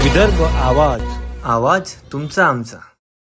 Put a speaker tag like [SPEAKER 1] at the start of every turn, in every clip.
[SPEAKER 1] विदर्भ आवाज, आवाज तुमचा आमचा।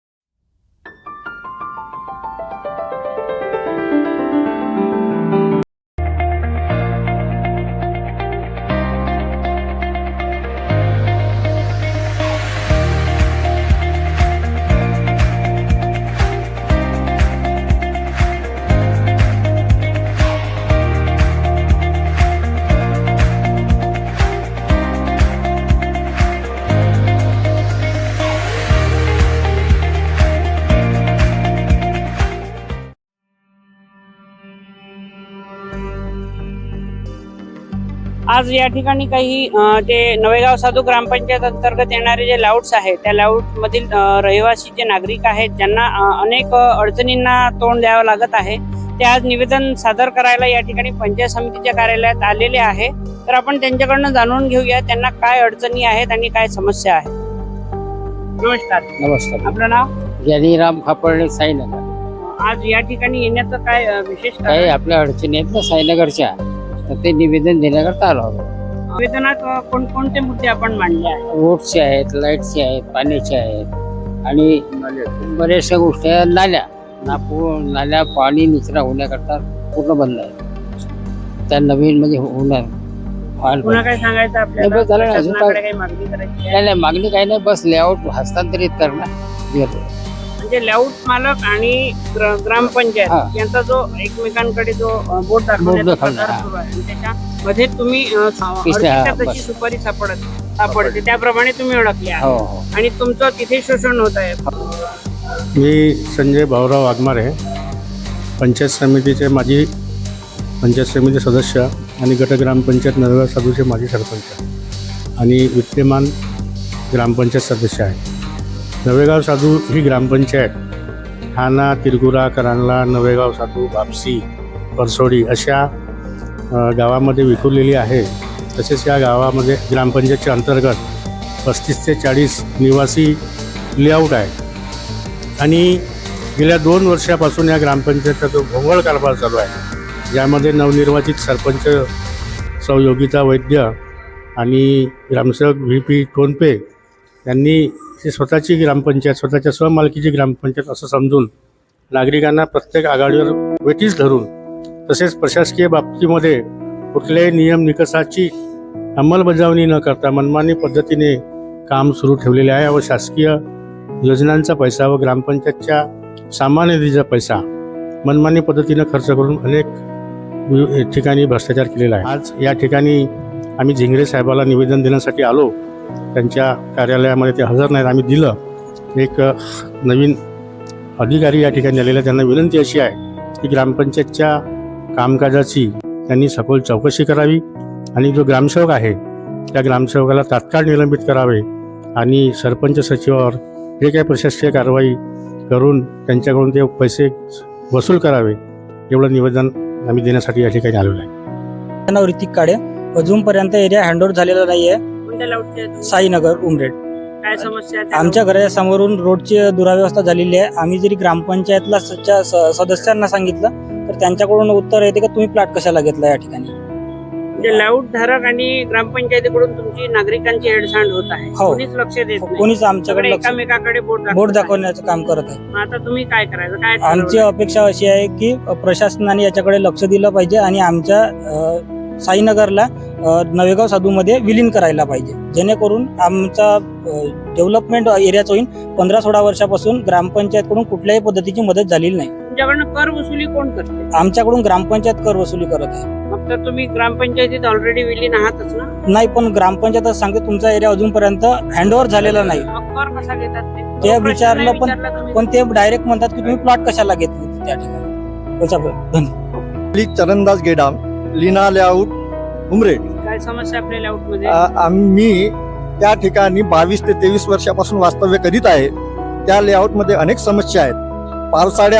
[SPEAKER 2] आज या ठिकाणी काही ते नवेगाव साधू ग्रामपंचायत अंतर्गत येणारे जे लाऊड्स आहेत त्या लाऊड मधील रहिवासी जे नागरिक आहेत ज्यांना अनेक अडचणींना तोंड द्यावं लागत आहे, ते आज निवेदन सादर करायला या ठिकाणी पंचायत समितीच्या कार्यालयात आलेले आहे। तर आपण त्यांच्याकडनं जाणून घेऊया त्यांना काय अडचणी आहेत आणि काय समस्या आहेत। नमस्कार।
[SPEAKER 3] नमस्कार।
[SPEAKER 2] आपलं नाव?
[SPEAKER 3] ज्ञानीराम खापर्डे, साईनगर।
[SPEAKER 2] आज या ठिकाणी येण्याचं काय विशेष
[SPEAKER 3] काही आपल्या अडचणी आहेत ना साईनगरच्या, तर ते निवेदन देण्याकरता आलो आहोत।
[SPEAKER 2] निवेदनात कोणकोणते मुद्दे आपण मांडले आहेत?
[SPEAKER 3] रोडचे आहेत, लाईटचे आहेत, पाण्याचे आहेत आणि बऱ्याचशा गोष्टी आहेत। नाल्या पाणी निचरा होण्याकरता पूर्ण बंद आहे। त्या नवीन म्हणजे होणार
[SPEAKER 2] पुन्हा काय सांगायचं आपल्याला?
[SPEAKER 3] बस झालं ना, अजून काय?
[SPEAKER 2] शासनाकडे काही मागणी करायची आहे?
[SPEAKER 3] नाही, मागणी काही नाही, बस लेआउट हस्तांतरित करणं।
[SPEAKER 2] म्हणजे लेआउट मालक आणि ग्रामपंचायत यांचा जो एकमेकांकडे जो बोर्ड दाखवण्याचा प्रकार सुरू आहे आणि त्याच्यामध्ये तुम्ही तशी सुपारी सापडते त्याप्रमाणे तुम्ही ओळखले आहे आणि तुमचं तिथे शोषण होत आहे।
[SPEAKER 4] मी संजय भाऊराव वाघमारे, पंचायत समितीचे माजी पंचायत समिती सदस्य आणि गट ग्रामपंचायत नवेगाव साधूचे माजी सरपंच आणि विद्यमान ग्रामपंचायत सदस्य आहे। नवेगाव साधू ही ग्रामपंचायत ठाणा, तिरगुरा, करांला, नवेगाव साधू, बापसी, परसोडी अशा गावामध्ये विखुरलेली आहे। तसेच या गावामध्ये ग्रामपंचायतच्या अंतर्गत 35 ते 40 निवासी लेआउट आहे आणि गेल्या 2 वर्षापासून या ग्रामपंचायतचा जो भोंगळ कारभार चालू आहे, ज्यामध्ये नवनिर्वाचित सरपंच सौ योगिता वैद्य आणि ग्रामसेवक VP टोनपे यांनी ही स्वतःची ग्रामपंचायत, स्वतःच्या स्वमालकीची ग्रामपंचायत असं समजून नागरिकांना प्रत्येक आघाडीवर वेठीस धरून तसेच प्रशासकीय बाबतीमध्ये कुठल्याही नियम निकषाची अंमलबजावणी न करता मनमानी पद्धतीने काम सुरू ठेवलेले आहे व शासकीय योजनांचा पैसा व ग्रामपंचायतच्या सामान्य निधीचा पैसा मनमानी पद्धतीनं खर्च करून अनेक ठिकाणी भ्रष्टाचार केलेला आहे। आज या ठिकाणी आम्ही झिंगरे साहेबाला निवेदन देण्यासाठी आलो। त्यांच्या कार्यालयामध्ये ते हजर नाहीत। आम्ही दिलं। एक नवीन अधिकारी या ठिकाणी आलेला, त्यांना विनंती अशी आहे की ग्रामपंचायतच्या कामकाजाची त्यांनी सखोल चौकशी करावी आणि जो ग्रामसेवक आहे त्या ग्रामसेवकाला तात्काळ निलंबित करावे आणि सरपंच सचिवावर जे काही प्रशासकीय कारवाई करून त्यांच्याकडून ते पैसे वसूल करावे, एवढं निवेदन आम्ही देण्यासाठी या ठिकाणी आलेलो आहे।
[SPEAKER 5] नाव ऋतिक काळे। अजूनपर्यंत एरिया हँडओव्हर झालेला नाहीये। साईनगर, उमरेड।
[SPEAKER 2] काय समस्या?
[SPEAKER 5] आमच्या घराच्या समोरून रोडची दुराव्यवस्था झालेली आहे। आम्ही जरी ग्रामपंचायतला सदस्यांना सांगितलं तर त्यांच्याकडून उत्तर येते की तुम्ही प्लॉट कशाला घेतला या ठिकाणी।
[SPEAKER 2] म्हणजे लाऊड धारक आणि ग्रामपंचायतीकडून तुमची नागरिकांची हेळसांड होत आहे, कोणीच लक्ष देत नाही।
[SPEAKER 5] कोणीच आमच्याकडे
[SPEAKER 2] एकामेकाकडे
[SPEAKER 5] बोर्ड दाखवण्याचं काम करत आहे।
[SPEAKER 2] आता तुम्ही काय करायचं? काय
[SPEAKER 5] आमची अपेक्षा अशी आहे की प्रशासनाने याच्याकडे लक्ष दिलं पाहिजे आणि आमच्या साईनगरला नवेगाव साधूमध्ये विलीन करायला पाहिजे, जेणेकरून आमचा डेव्हलपमेंट एरियाच होईल। 15-16 वर्षापासून ग्रामपंचायतकडून कुठल्याही पद्धतीची मदत झालेली नाही।
[SPEAKER 2] तुमच्याकडनं कर वसुली कोण करते?
[SPEAKER 5] आमच्याकडून ग्रामपंचायत कर वसुली करत आहे।
[SPEAKER 2] फक्त तुम्ही ग्रामपंचायतीत ऑलरेडी विलीन आहातच ना?
[SPEAKER 5] नाही, पण ग्रामपंचायत सांगते तुमचा एरिया अजूनपर्यंत हँडओव्हर झालेला नाही।
[SPEAKER 2] कर कसा घेतात
[SPEAKER 5] ते विचारलं पण ते डायरेक्ट म्हणतात की तुम्ही प्लॉट कशाला घेतले त्या ठिकाणी।
[SPEAKER 6] चरणदास गेडाम, लीना लेआउट, उमरेड।
[SPEAKER 2] काय समस्या आपल्या लेआउट मध्ये?
[SPEAKER 6] आम्ही त्या ठिकाणी 22 ते 23 वर्षापासून वास्तव्य करीत आहे। त्या लेआउट मध्ये अनेक समस्या आहेत।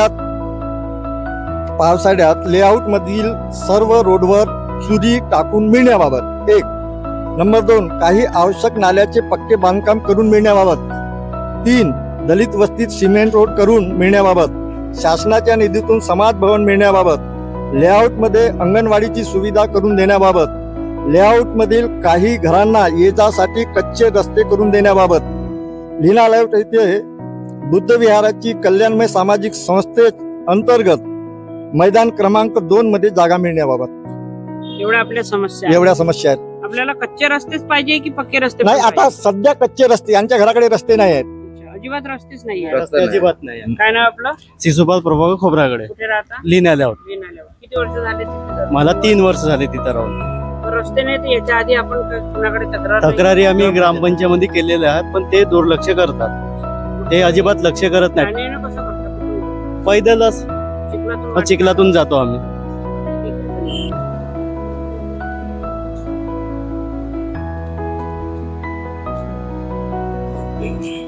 [SPEAKER 6] पावसाळ्यात लेआउट मधील सर्व रोडवर चुरी टाकून मिळण्याबाबत 1 नंबर 2 काही आवश्यक नाल्याचे पक्के बांधकाम करून मिळण्याबाबत 3 दलित वस्तीत सिमेंट रोड करून मिळण्याबाबत शासनाच्या निधीतून समाज भवन मिळण्याबाबत लेआउट मध्ये अंगणवाडीची सुविधा करून देण्याबाबत लेआउटमधील काही घरांना ये जासाठी कच्चे रस्ते करून देण्याबाबत लीना लेआउट येथे बुद्ध विहाराची कल्याणमय सामाजिक संस्थे अंतर्गत मैदान क्रमांक 2 मध्ये जागा मिळण्याबाबत
[SPEAKER 2] एवढ्या आपल्या समस्या आहेत.
[SPEAKER 6] एवढ्या समस्या आहेत.
[SPEAKER 2] आपल्याला कच्चे रस्तेच पाहिजे की पक्के रस्ते
[SPEAKER 6] नाही
[SPEAKER 2] पण
[SPEAKER 6] आता सध्या कच्चे रस्ते, यांच्या घराकडे रस्ते नाही आहेत.
[SPEAKER 2] पाहिजे? अजिबात रस्तेच नाही आहे.
[SPEAKER 7] रस्ते अजिबात नाही.
[SPEAKER 2] काय नाव आपलं?
[SPEAKER 7] शिशुपाल प्रभाकर खोबराकडे
[SPEAKER 2] कुठे राहता?
[SPEAKER 7] लिहिण्या आल्यावर
[SPEAKER 2] किती वर्ष झाले तिथे?
[SPEAKER 7] मला 3 वर्ष झाले तिथं राहून.
[SPEAKER 2] तर रस्ते नाही तर याच्या आधी आपण कुणाकडे तक्रार नाही
[SPEAKER 7] तक्रारी आम्ही ग्रामपंचायतीमध्ये केलेल्या आहेत, पण ते दुर्लक्ष करतात. ते अजिबात लक्ष करत नाहीत.
[SPEAKER 2] जाणे येणं कसं करतात?
[SPEAKER 7] पैदलच
[SPEAKER 2] चिखलातून
[SPEAKER 7] चिखलातून जातो आम्ही.
[SPEAKER 2] ठीक आहे.